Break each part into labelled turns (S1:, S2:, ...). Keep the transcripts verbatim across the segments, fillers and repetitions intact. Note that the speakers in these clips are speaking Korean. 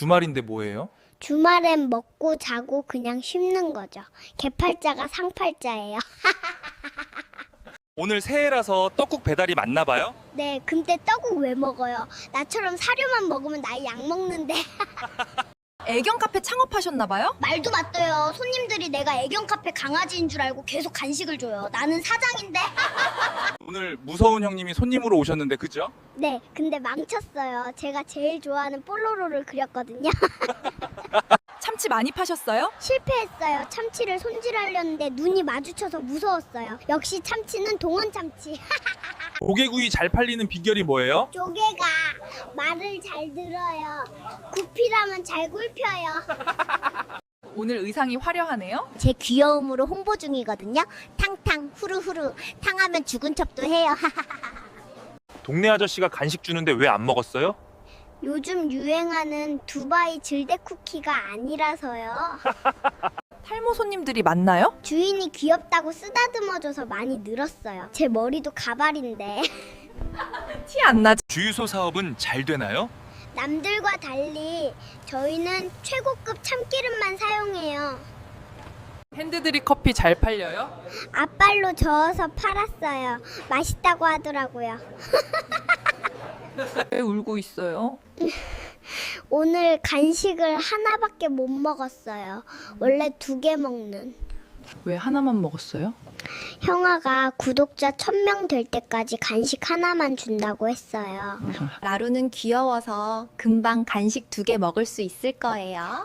S1: 주말인데 뭐해요?
S2: 주말엔 먹고 자고 그냥 쉬는 거죠. 개팔자가 상팔자예요.
S1: 오늘 새해라서 떡국 배달이 맞나 봐요?
S2: 네, 근데 떡국 왜 먹어요? 나처럼 사료만 먹으면 나 약 먹는데.
S3: 애견 카페 창업하셨나봐요?
S2: 말도 맞대요. 손님들이 내가 애견 카페 강아지인 줄 알고 계속 간식을 줘요. 나는 사장인데.
S1: 오늘 무서운 형님이 손님으로 오셨는데 그죠?
S2: 네, 근데 망쳤어요. 제가 제일 좋아하는 뽀로로를 그렸거든요.
S3: 참치 많이 파셨어요?
S2: 실패했어요. 참치를 손질하려는데 눈이 마주쳐서 무서웠어요. 역시 참치는 동원 참치.
S1: 조개구이 잘 팔리는 비결이 뭐예요?
S2: 조개가 말을 잘 들어요. 구피라면 잘 굴펴요.
S3: 오늘 의상이 화려하네요?
S2: 제 귀여움으로 홍보 중이거든요. 탕탕 후루후루 탕하면 죽은 척도 해요.
S1: 동네 아저씨가 간식 주는데 왜 안 먹었어요?
S2: 요즘 유행하는 두바이 질대 쿠키가 아니라서요.
S3: 탈모 손님들이 많나요?
S2: 주인이 귀엽다고 쓰다듬어줘서 많이 늘었어요. 제 머리도 가발인데.
S3: 티 안 나지?
S1: 주유소 사업은 잘 되나요?
S2: 남들과 달리 저희는 최고급 참기름만 사용해요.
S3: 핸드드립 커피 잘 팔려요?
S2: 앞발로 저어서 팔았어요. 맛있다고 하더라고요.
S3: 왜 울고 있어요?
S2: 오늘 간식을 하나밖에 못 먹었어요. 원래 두 개 먹는.
S3: 왜 하나만 먹었어요?
S2: 형아가 구독자 천 명 될 때까지 간식 하나만 준다고 했어요.
S4: 라루는 귀여워서 금방 간식 두 개 먹을 수 있을 거예요.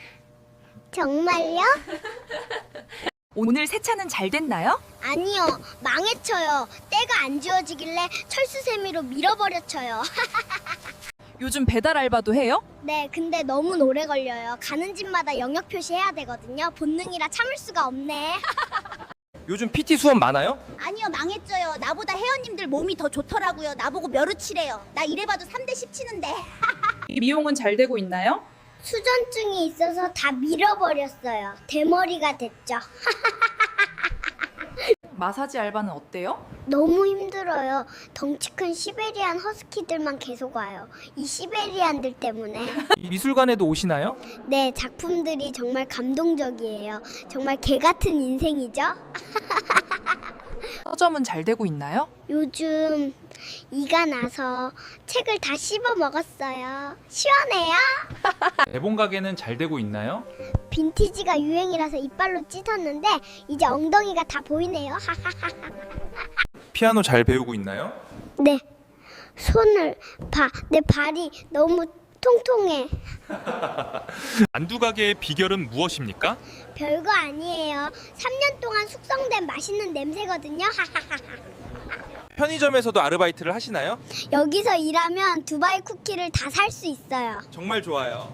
S2: 정말요?
S3: 오늘 세차는 잘 됐나요?
S2: 아니요. 망해쳐요. 때가 안 지워지길래 철수세미로 밀어버려쳐요.
S3: 요즘 배달 알바도 해요?
S2: 네, 근데 너무 오래 걸려요. 가는 집마다 영역 표시해야 되거든요. 본능이라 참을 수가 없네.
S1: 요즘 피티 수업 많아요?
S5: 아니요, 망했죠요. 나보다 회원님들 몸이 더 좋더라고요. 나보고 멸우치래요. 나 이래봐도 삼 대 십 치는데.
S3: 미용은 잘 되고 있나요?
S2: 수전증이 있어서 다 밀어버렸어요. 대머리가 됐죠.
S3: 마사지 알바는 어때요?
S2: 너무 힘들어요. 덩치 큰 시베리안 허스키들만 계속 와요. 이 시베리안들 때문에.
S1: 미술관에도 오시나요?
S2: 네, 작품들이 정말 감동적이에요. 정말 개 같은 인생이죠?
S3: 서점은 잘 되고 있나요?
S2: 요즘 이가 나서 책을 다 씹어 먹었어요. 시원해요?
S1: 대본 가게는 잘 되고 있나요?
S2: 빈티지가 유행이라서 이빨로 찢었는데 이제 엉덩이가 다 보이네요.
S1: 피아노 잘 배우고 있나요?
S2: 네, 손을 봐. 내 발이 너무 통통해.
S1: 만두 가게의 비결은 무엇입니까?
S2: 별거 아니에요. 삼 년 동안 숙성된 맛있는 냄새거든요.
S1: 편의점에서도 아르바이트를 하시나요?
S2: 여기서 일하면 두바이 쿠키를 다 살 수 있어요.
S1: 정말 좋아요.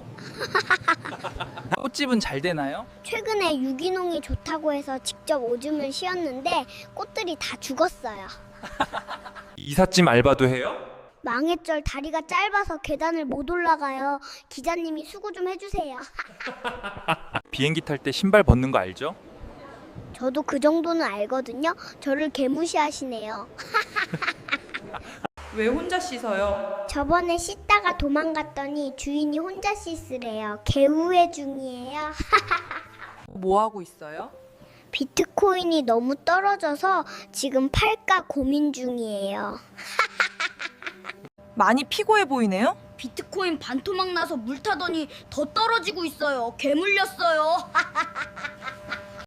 S1: 꽃집은 잘 되나요?
S2: 최근에 유기농이 좋다고 해서 직접 오줌을 쉬었는데 꽃들이 다 죽었어요.
S1: 이삿짐 알바도 해요?
S2: 망했절 다리가 짧아서 계단을 못 올라가요. 기자님이 수고 좀 해주세요.
S1: 비행기 탈 때 신발 벗는 거 알죠?
S2: 저도 그 정도는 알거든요. 저를 개무시하시네요.
S3: 왜 혼자 씻어요?
S2: 저번에 씻다가 도망갔더니 주인이 혼자 씻으래요. 개우회 중이에요.
S3: 뭐 하고 있어요?
S2: 비트코인이 너무 떨어져서 지금 팔까 고민 중이에요.
S3: 많이 피곤해 보이네요?
S5: 비트코인 반토막 나서 물 타더니 더 떨어지고 있어요. 개 물렸어요.